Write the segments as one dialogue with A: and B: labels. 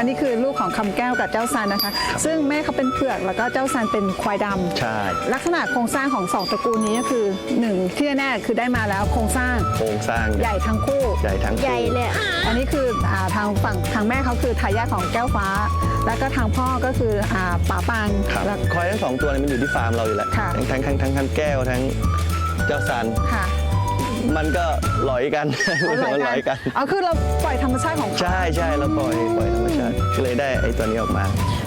A: อันนี้คือลูกของคำแก้วกับเจ้าซันนะคะซึ่งแม่เขาเป็นเผือกแล้วก็เจ้าซันเป็นควายดำ
B: ใช่
A: ลักษณะโครงสร้างของ2ตระกูลนี้ก็คือ1ที่แน่ๆคือได้มาแล้วโครงสร้าง
B: ใหญ่ทั้งคู่
A: ใหญ่เลยอันนี้คือทางฝั่งทางแม่เขาคือทายาทของแก้วฟ้าแล้วก็ทางพ่อก็คือป๋าปาง
B: แล้วควายทั้ง2ตัวนี้มันอยู่ที่ฟาร์มเราอยู่แล้วทั้งแก้วทั้งเจ้าซันมันก็หลอยกันมันหลอยกัน
A: คือเราปล่อยธรรมชาติของ
B: ใช่เราปล่อยธรรมชาติก็เลยได้ไอ้ตัวนี้ออกมา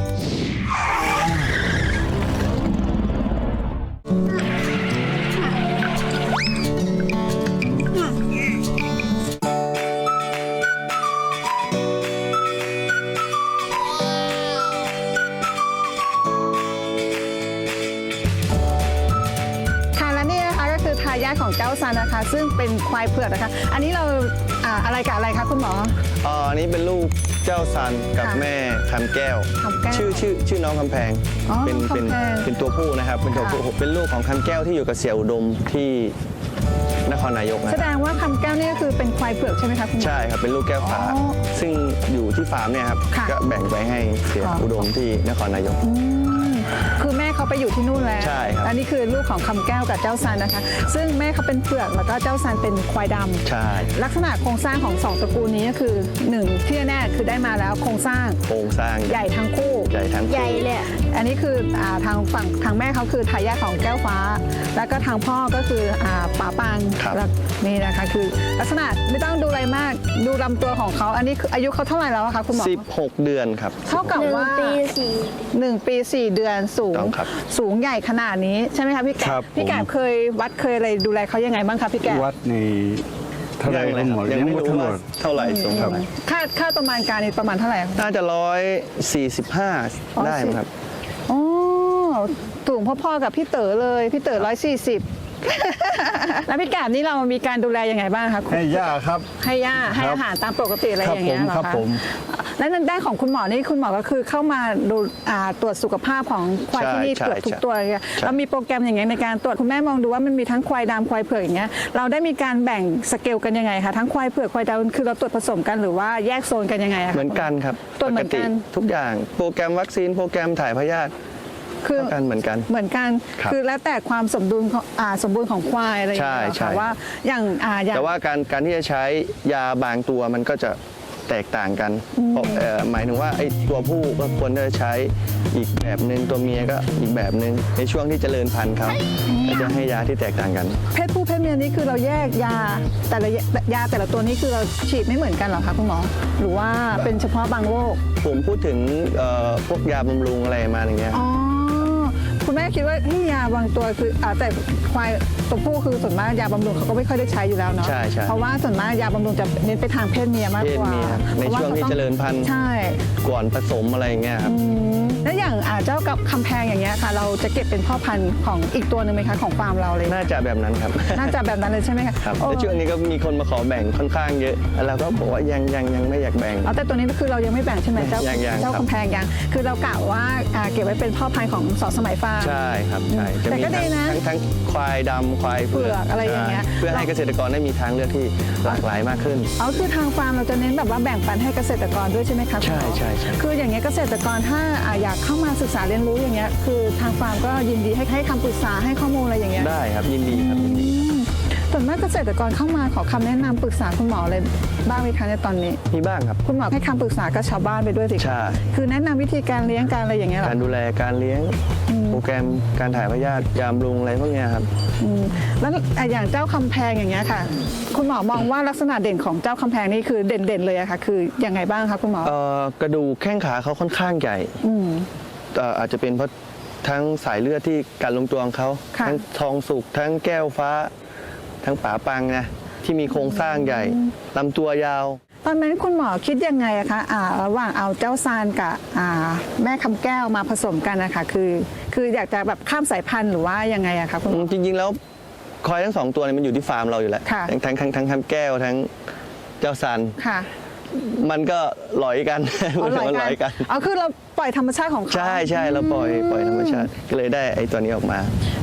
A: ทายาทของเจ้าซันนะคะซึ่งเป็นควายเผือกนะคะอันนี้เราอะไรกับอะไรคะคุณหมอ
B: อันนี้เป็นลูกเจ้าซันกับแม่คำแก้วชื่อน้องคำแพงเป็นตัวผู้นะครับเป็นตัวผู้เป็นลูกของคำแก้วที่อยู่กับเสี่ยอุดมที่นครนายก
A: แสดงว่าคำแก้วนี่ก็คือเป็นควายเผือกใช่ไหมคะคุณหมอ
B: ใช่ครับเป็นลูกแก้วฟ้าซึ่งอยู่ที่ฟาร์มเนี่ยครับก็แบ่งไปให้เสี่ยอุดมที่นครนายก
A: คือแม่เขาไปอยู่ที่นู่นแล้ว
B: ใช่ครับ
A: อันนี้คือลูกของคำแก้วกับเจ้าซันนะคะซึ่งแม่เขาเป็นเผือกแล้วก็เจ้าซันเป็นควายดำ
B: ใช่
A: ลักษณะโครงสร้างของ2ตระกูลนี้ก็คือ1ที่แน่คือได้มาแล้วโครงสร้าง
B: ใ
A: หญ่ทั้งคู่
B: ใหญ่
A: เลยอันนี้คือทางฝั่งทางแม่เขาคือทายาทของแก้วฟ้าแล้วก็ทางพ่อก็คือป๋าปางนี่นะคะคือลักษณะไม่ต้องดูอะไรมากดูลำตัวของเขาอันนี้คืออายุเขาเท่าไหร่แล้วคะคุณหมอ
B: 16 เดือนครับ
A: เท่ากับว่า1 ปี 4 เดือนสูงใหญ่ขนาดนี้ใช่ไหมคะพี่แกะเคยวัดเคยอะไรดูแลเขายังไงบ้างคะพี่แกะ
C: วัดในเท่าไหร่
B: ทั้งหมดยังไม่รู้ว่าเท่าไหร่สูงเท่าไหร่
A: ค่าประมาณการนี่ประมาณเท่าไหร่
B: น่าจะ145ได้ไหมครับ
A: อ๋อสูงพ่อๆกับพี่เต๋อเลยพี่เต๋อ140แล้วพี่แกบนี่เรามีการดูแลยังไงบ้างคะ
C: ให้ย่าครับ
A: ให้ย่าให้อาหารตามปกติอะไรอย่างเงี้ยเหรอคะและด้านของคุณหมอนี่คุณหมอก็คือเข้ามาดูตรวจสุขภาพของควายที่นี่ตรวจทุกตัวเลยเรามีโปรแกรมอย่างเงี้ยในการตรวจคุณแม่มองดูว่ามันมีทั้งควายดำควายเผือกอย่างเงี้ยเราได้มีการแบ่งสเกลกันยังไงคะทั้งควายเผือกควายดำคือเราตรวจผสมกันหรือว่าแยกโซนกันยังไงคะ
B: เหมือนกันครับ
A: ตรวจเหมือนกัน
B: ทุกอย่างโปรแกรมวัคซีนโปรแกรมถ่ายพยาธิ
A: คือ
B: เหมือนกัน
A: คือแล้วแต่ความสมบูรณ์ของควายอะไรอย่างเงี้ยค่ะว่าอย่าง
B: แต่ว่าการที่จะใช้ยาบางตัวมันก็จะแตกต่างกันหมายถึงว่าไอ้ตัวผู้ก็ควรจะใช้อีกแบบหนึ่งตัวเมียก็อีกแบบหนึ่งในช่วงที่เจริญพันธุ์เขาจะให้ยาที่แตกต่างกัน
A: เพศผู้เพศเมียนี่คือเราแยกยาแต่ละตัวนี้คือเราฉีดไม่เหมือนกันหรอคะคุณหมอหรือว่าเป็นเฉพาะบางโรค
B: ผมพูดถึงพวกยาบำรุงอะไรมาอย่างเงี้ย
A: คุณแม่คิดว่าที่ยาบางตัวคือแต่ควายตัวผู้คือส่วนมากยาบำรุงเขาก็ไม่ค่อยได้ใช้อยู่แล้วเนาะเพราะว่าส่วนมากยาบำรุงจะเน้นไปทางเพศเมียมากกว่า
B: ในช่วงที่เจริญพันธุ์ก่อนผสมอะไรอย่างเงี้ยครับ
A: แล้วอย่างเจ้ากับคำแพงอย่างเงี้ยค่ะเราจะเก็บเป็นพ่อพันธุ์ของอีกตัวหนึ่งไหมคะของฟาร์มเราเลย
B: น่าจะแบบนั้นครับ
A: น่าจะแบบนั้นเลยใช่ไหมคะ
B: ครับในช่วงนี้ก็มีคนมาขอแบ่งค่อนข้างเยอะแล้วก็บอกว่ายังไม่อยากแบ่ง
A: แต่ตัวนี้คือเรายังไม่แบ่งใช่ไหมเจ้าคำแพงยังคือเรากะว่าเก็บไว้เป็นพ่อพันธุ์ของสอสมัยฟาร์ม
B: ใช่ครับใช่
A: แต่ก็ดีนะ
B: ทั้งควายดำควายเผือก
A: อะไรอย่างเงี้ย
B: เพื่อให้เกษตรกรได้มีทางเลือกที่หลากหลายมากขึ้น
A: คือทางฟาร์มเราจะเน้นแบบว่าแบ่งปันให้เกษตรกรด้วยใช่ไหมคะ
B: ใช่
A: คืออย่างเงี้ยเกษตรกรถ้าอยากเข้ามาศึกษาเรียนรู้อย่างเงี้ยคือทางฟาร์มก็ยินดีให้คำปรึกษาให้ข้อมูลอะไรอย่างเงี้ย
B: ได้ครับยินดีครับ
A: ส่วนมากเกษตรกรเข้ามาขอคำแนะนำปรึกษาคุณหมออะไรบ้างไหมคะในตอนนี้
B: มีบ้างครับ
A: คุณหมอให้คำปรึกษากับชาวบ้านไปด้วยสิ
B: ใช่
A: คือแนะนำวิธีการเลี้ยงการอะไรอย่างเงี้ย
B: การดูแลการเลี้ยงโปรแกรมการถ่ายพยาธิยาบำรุงอะไรพวกนี้ครับ
A: แล้วอย่างเจ้าคำแพงอย่างเงี้ยค่ะคุณหมอมองว่าลักษณะเด่นของเจ้าคำแพงนี่คือเด่นเลยอะค่ะคือยังไงบ้างคะคุณหม
B: อกระดูกแข้งขาเขาค่อนข้างใหญ่อาจจะเป็นเพราะทั้งสายเลือดที่การลงตัวของเขาทั้งทองสุกทั้งแก้วฟ้าทั้งป๋าปังนะที่มีโครงสร้างใหญ่ลำตัวยาว
A: ตอนนั้นคุณหมอคิดยังไงอะคะระหว่างเอาเจ้าซานกับแม่คำแก้วมาผสมกันนะคะคืออยากจะแบบข้ามสายพันธุ์หรือว่ายังไงอะคะคุณหมอ
B: จริงๆแล้วควายทั้ง2ตัวนี้มันอยู่ที่ฟาร์มเราอยู่แล้วทั้งคำแก้วทั้งเจ้าซานมันก็หลอยกัน
A: คือเราปล่อยธรรมชาติของเขา
B: ใช่เราปล่อยธรรมชาติก็เลยได้ไอ้ตัวนี้ออกมา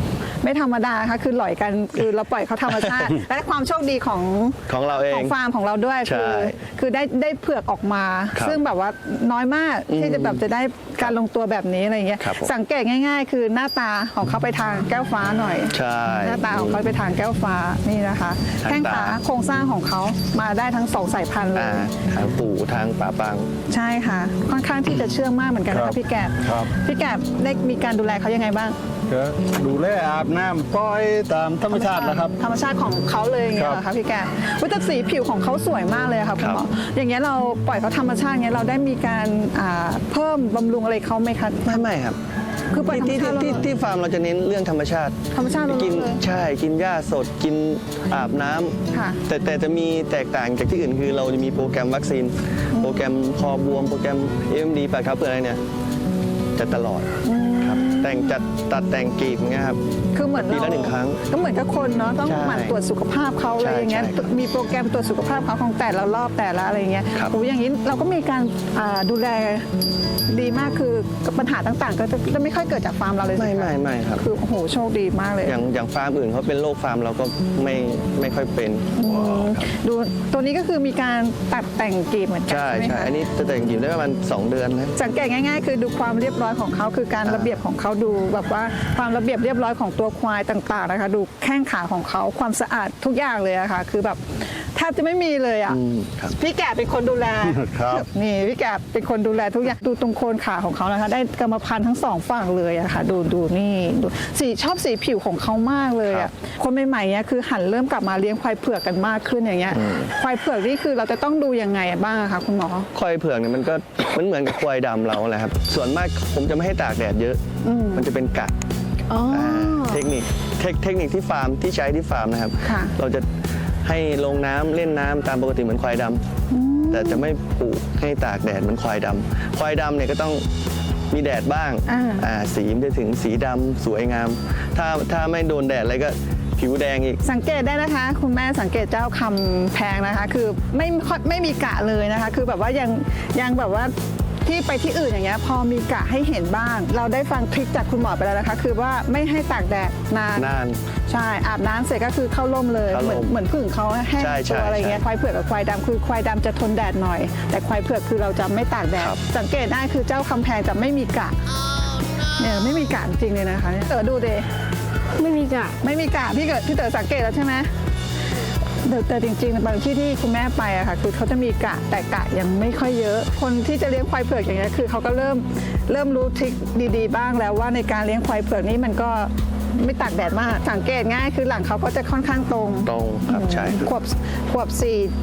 A: ไม่ธรรมดาค่ะคือหล่อยกันคือเราปล่อยเขาธรรมชาติ และความโชคดีของ
B: เราเอง
A: ฟาร์มของเราด้วย
B: ใช่
A: คือได้เผือกออกมา
B: ครับ
A: ซึ่งแบบว่าน้อยมากที่จะแบบจะได้การลงตัวแบบนี้อะไรอย่างเงี้ย
B: ครับผม
A: สังเกตง่าย ๆ คือหน้าตาของเขาไปทางแก้วฟ้าหน่อย
B: ใช่
A: หน้าตาของเขาไปทางแก้วฟ้านี่นะคะ
B: ทาง
A: แข้ง
B: ตา
A: ขาโครงสร้างของเขามาได้ทั้งสองสายพันธุ์เลย
B: ทางปู่ทางป่าปัง
A: ใช่ค่ะ ค่อนข้างที่จะเชื่องมากเหมือนกันนะ
C: ครั
A: คะ
C: บ
A: พี่แกบ
C: ครับ
A: พี่แกบได้มีการดูแลเขายังไงบ้าง
C: ก็ดูแลอาบน้ำปล่อยตามธรรมชาติแล้วครับ
A: ธรรมชาติของเขาเลยอย่างเงี้ยเหรอคะพี่แกบอุ๊ยแต่สีผิวของเขาสวยมากเลยอะค่ะคุณหมออย่างเงี้ยเราปล่อยเขาธรรมชาติเงี้ยเราได้มีการเพิ่มบำรุงอะไรเขาไหมคะ
B: ไม่ครับ
A: คือปล่อยธรรม
B: ที่
A: ชาติ
B: ที่ที่ฟาร์มเราจะเน้นเรื่องธรรมชาติ
A: ธรรมชาติล้วนๆ
B: กิน
A: เลย
B: ใช่กินหญ้าสดกินอาบน้ำ
A: ค่ะ
B: แต่จะมีแตกต่างจากที่อื่นคือเราจะมีโปรแกรมวัคซีน โปรแกรมคอบวมโปรแกรม AMD ปากครับเพื่ออะไรเนี่ยจะตลอดครับแต่งจัดตัดแต่งกรีบอย่างเงี้ยครับ
A: คือเหมือน
B: ปีละหนึ่งครั้ง
A: ก็เหมือนกับคนเนาะต้อง
B: ใช่
A: หมั่นตรวจสุขภาพเขาอะไรอย่างเงี้ย
B: ใช่ครับ
A: มีโปรแกรมตรวจสุขภาพเขาของแต่ละรอบแต่ละอะไรอย่างเงี้ย
B: ครับ
A: โอ้อย่างนี้เราก็มีการดูแลดีมากคือปัญหาต่างๆ ก็จะไม่ค่อยเกิดจากฟาร์มเราเลย
B: ไม่
A: ใช่ห
B: ไม่ครับ
A: คือโอ้โหโชคดีมากเลย
B: อย่างฟาร์มอื่นเขาเป็นโรคฟาร์มเราก็ไม่ค่อยเป็นครับ
A: ดูตัวนี้ก็คือมีการตัดแต่งกรีบเหมือนกัน
B: ใช่
A: ใช่ไหม
B: ใช่
A: คะ
B: อันนี้จะแต่งกรีบได้ประมาณ2 เดือนนะ
A: สังเกตง่ายๆ คือดูความเรียบร้อยของเขาคือการระเบียบของเขาดูแบบว่าความระเบียบเรียบร้อยของตัวควายต่างๆนะคะดูแข้งขาของเขาความสะอาดทุกอย่างเลยอะค่ะคือแบบแทบจะไม่มีเลยอะ
B: ครับ
A: พี่แกะเป็นคนดูแล
C: ครับ
A: นี่พี่แกะเป็นคนดูแลทุกอย่างดูตรงโคนขาของเขานะคะได้กรรมพันธุ์ทั้งสองฝั่งเลยอะค่ะดูนี่ดูชอบสีผิวของเขามากเลยอะคนใหม่ๆเนี่ยคือหันเริ่มกลับมาเลี้ยงควายเผือกกันมากขึ้นอย่างเงี้ยควายเผือกนี่คือเราจะต้องดูยังไงบ้างอะคะคุณหมอ
B: ควายเผือกเนี่ยมันก็มันเหมือนกับควายดำเราแหละครับ ส่วนมากผมจะไม่ให้ตากแดดเยอะ มันจะเป็นกะ
A: อ๋ออ
B: เทคนิคที่ฟาร์มที่ใช้ที่ฟาร์มนะครับ
A: ค่ะ
B: เราจะให้ลงน้ำเล่นน้ำตามปกติเหมือนควายดำแต่จะไม่ปลูกให้ตากแดดเหมือนควายดำควายดำเนี่ยก็ต้องมีแดดบ้าง สีมันจะถึงสีดำสวยงาม ถ้าไม่โดนแดดอะไรก็ผิวแดงอีก
A: สังเกตได้นะคะ คุณแม่สังเกตเจ้าคำแพงนะคะ คือไม่มีกะเลยนะคะ คือแบบว่ายังแบบว่าที่ไปที่อื่นอย่างเงี้ยพอมีกะให้เห็นบ้าง เราได้ฟังทริคจากคุณหมอไปแล้วนะคะ คือว่าไม่ให้ตากแดดนาน ใช่อาบน้ำเสร็จก็คือเข้าร่มเลย
B: เข้าร่ม
A: เหมือนผึ่งเขาแห้ง
B: ใช่ใช่
A: ตัวอะไรเงี้ย
B: ใช่
A: ควายเผือกกับควายดำคือควายดำจะทนแดดหน่อย แต่ควายเผือกคือเราจะไม่ตากแดด
B: ครับ
A: สังเกตได้คือเจ้าคำแพงจะไม่มีกะเนี่ยไม่มีกะจริงเลยนะคะเนี่ยดูเด
D: ไม่มีกะ
A: ไม่มีกะพี่เต๋อสังเกตแล้วใช่ไหมแต่จริงๆบางที่คุณแม่ไปอะค่ะคือเขาจะมีกะแต่กะยังไม่ค่อยเยอะ คนที่จะเลี้ยงควายเผือกอย่างเงี้ยคือเขาก็เริ่มรู้ทริคดีๆบ้างแล้วว่าในการเลี้ยงควายเผือกนี่มันก็ไม่ตากแดดมากสังเกตง่ายคือหลังเขาก็จะค่อนข้างตรง
B: ตรงครับใช่
A: ขวบ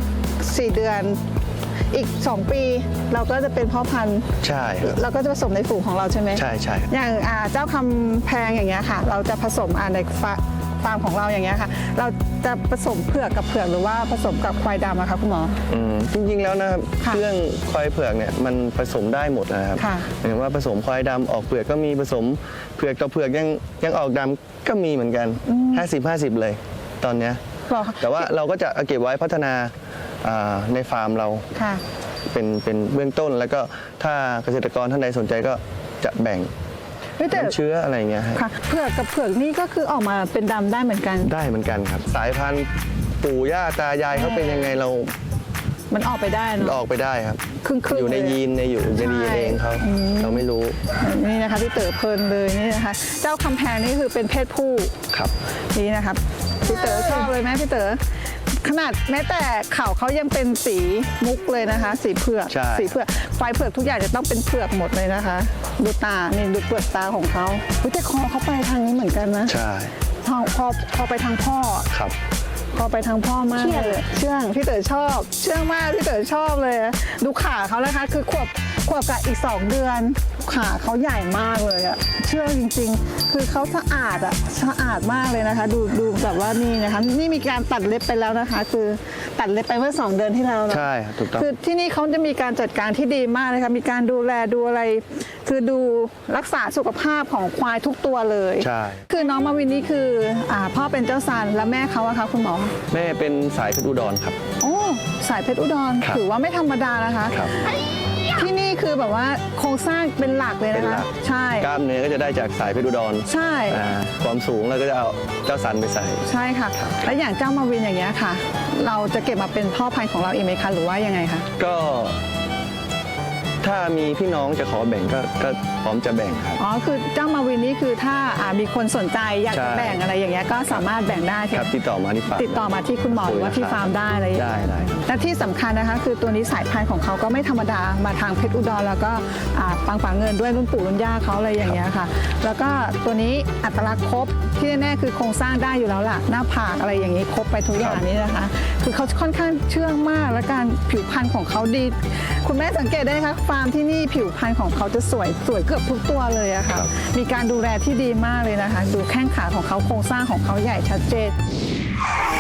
A: 4 เดือน อีก 2 ปีเราก็จะเป็นพ่อพันธุ์
B: ใช่ครับ
A: เราก็จะผสมในฝูงของเราใช่ไหม
B: ใช่ใช่
A: อย่างเจ้าคำแพงอย่างเงี้ยค่ะ เราจะผสมในฟาร์มของเราอย่างเงี้ยค่ะ เราจะผสมเผือกกับเผือกหรือว่าผสมกับควายดำอะคะคุณหมอ
B: จริงๆแล้วนะครับ
A: ค่ะ
B: เรื่องควายเผือกเนี่ยมันผสมได้หมดนะครับ
A: ค่ะ
B: หมายถึงว่าผสมควายดำออกเผือกก็มีผสมเผือกต่อเผือกยังออกดำก็มีเหมือนกัน 50-50 เลยตอนเนี้ย
A: หรอคะ
B: แต่ว่าเราก็จะเอาเก็บไว้พัฒนาในฟาร์มเรา
A: ค่ะ
B: เป็นเบื้องต้นแล้วก็ถ้าเกษตรกรท่านใดสนใจก็จะแบ่ง
A: แต่
B: น้ำเชื้ออะไรอย่างเงี้ยให้
A: ค่ะเผือกกับเผือกนี่ก็คือออกมาเป็นดำได้เหมือนกัน
B: ได้เหมือนกันครับ สายพันธุ์ปู่ย่าตายายเขาเป็นยังไงเรา
A: มันออกไปได้เน
B: อ
A: อะ
B: อกไปได้ครับ
A: ครึ่งๆ
B: อยู่ใน
A: เลย
B: ยีนอยู่ในดีเองเขาเราไม่รู้
A: นี่นะคะพี่เต๋อเพลินเลยนี่นะคะ เจ้าคำแพงนี่คือเป็นเพศผู้
B: ครับ
A: นี่นะครับพี่เต๋อชอบเลยไหมพี่เต๋อขนาดแม้แต่เขาเขายังเป็นสีมุกเลยนะคะ สีเผือก
B: ใช่
A: สีเผือกควายเผือกทุกอย่างจะต้องเป็นเผือกหมดเลยนะคะ ดูตานี่ดูเปลือกตาของเขาอุ๊ยแต่คอเขาไปทางนี้เหมือนกันนะ
B: ใช่
A: พอไปทางพ่อ
B: ครับ
A: พอไปทางพ่อมากเลยเชื่องพี่เต๋อชอบเชื่องมากพี่เต๋อชอบเลย ดูขาเขานะคะคือขวบกับอีก 2 เดือนขาเขาใหญ่มากเลยอะเชื่องจริงๆ คือเขาสะอาดอะสะอาดมากเลยนะคะ ดูแบบว่านี่นะคะนี่มีการตัดเล็บไปแล้วนะคะ คือตัดเล็บไปเมื่อ 2 เดือนที่แล้วนะ
B: ใช่ครับถูกต้อง
A: คือที่นี่เขาจะมีการจัดการที่ดีมากเลยค่ะมีการดูแลดูอะไร คือดูรักษาสุขภาพของควายทุกตัวเลย
B: ใช่
A: คือน้องมาวินนี่คือพ่อเป็นเจ้าซันและแม่เขาอะคะคุณหมอ
B: แม่เป็นสายเพชรอุดรครับ
A: โอ้สายเพชรอุดร
B: ครับ
A: ถือว่าไม่ธรรมดานะคะ
B: ครับ
A: ที่นี่คือแบบว่าโครงสร้างเป็นหลักเลย
B: เป็น
A: นะ
B: หลั
A: คะ
B: ก
A: ใช่
B: กล้ามเนื้อก็จะได้จากสายเพชรอุดร
A: ใช่
B: ความสูงเราก็จะเอาเจ้าสันไปใส่
A: ใช่ค่ะ แล้วอย่างเจ้ามาวินอย่างเงี้ยค่ะ เราจะเก็บมาเป็นพ่อพันธุ์ของเราเองไหมคะหรือว่ายังไงคะ
B: ก็ถ้ามีพี่น้องจะขอแบ่งก็พร้อมจะแบ่งครับ
A: อ๋อคือเจ้ามาวินนี่คือถ้ามีคนสนใจอยากจะ
B: ใช่
A: แบ่งอะไรอย่างเงี้ยก็สามารถแบ่งได้ใช่
B: ค
A: ไห
B: รั
A: ม
B: บติดต่อมาที่ฟาร์ม
A: ติดต่อมาที่คุณหมอหรือว่าที่ฟาร์มได้อะไรอย่างเงี้ย
B: ได้ครับ
A: และที่สำคัญนะคะคือตัวนี้สายพันธุ์ของเขาก็ไม่ธรรมดามาทางเพชรอุดรแล้วก็ปังปังเงินด้วยรุ่นปู่รุ่นย่าเขาอะไรอย่างเงี้ยค่ะ แล้วก็ตัวนี้อัตลักษณ์ครบที่แน่ๆคือโครงสร้างได้อยู่แล้วล่ะหน้าผากอะไรอย่างนี้ครบไปทุกอย่างนี้นะคะ คือเขาค่อนข้างเชื่องมากและการผิวพรรณของเขาดี คุณแม่สังเกตได้คะฟาร์มที่นี่ผิวพรรณของเขาจะสวยเกือบทุกตัวเลยอะค่ะ
B: ครับ
A: มีการดูแลที่ดีมากเลยนะคะ ดูแข้งขาของเขาโครงสร้างของเขาใหญ่ชัดเจน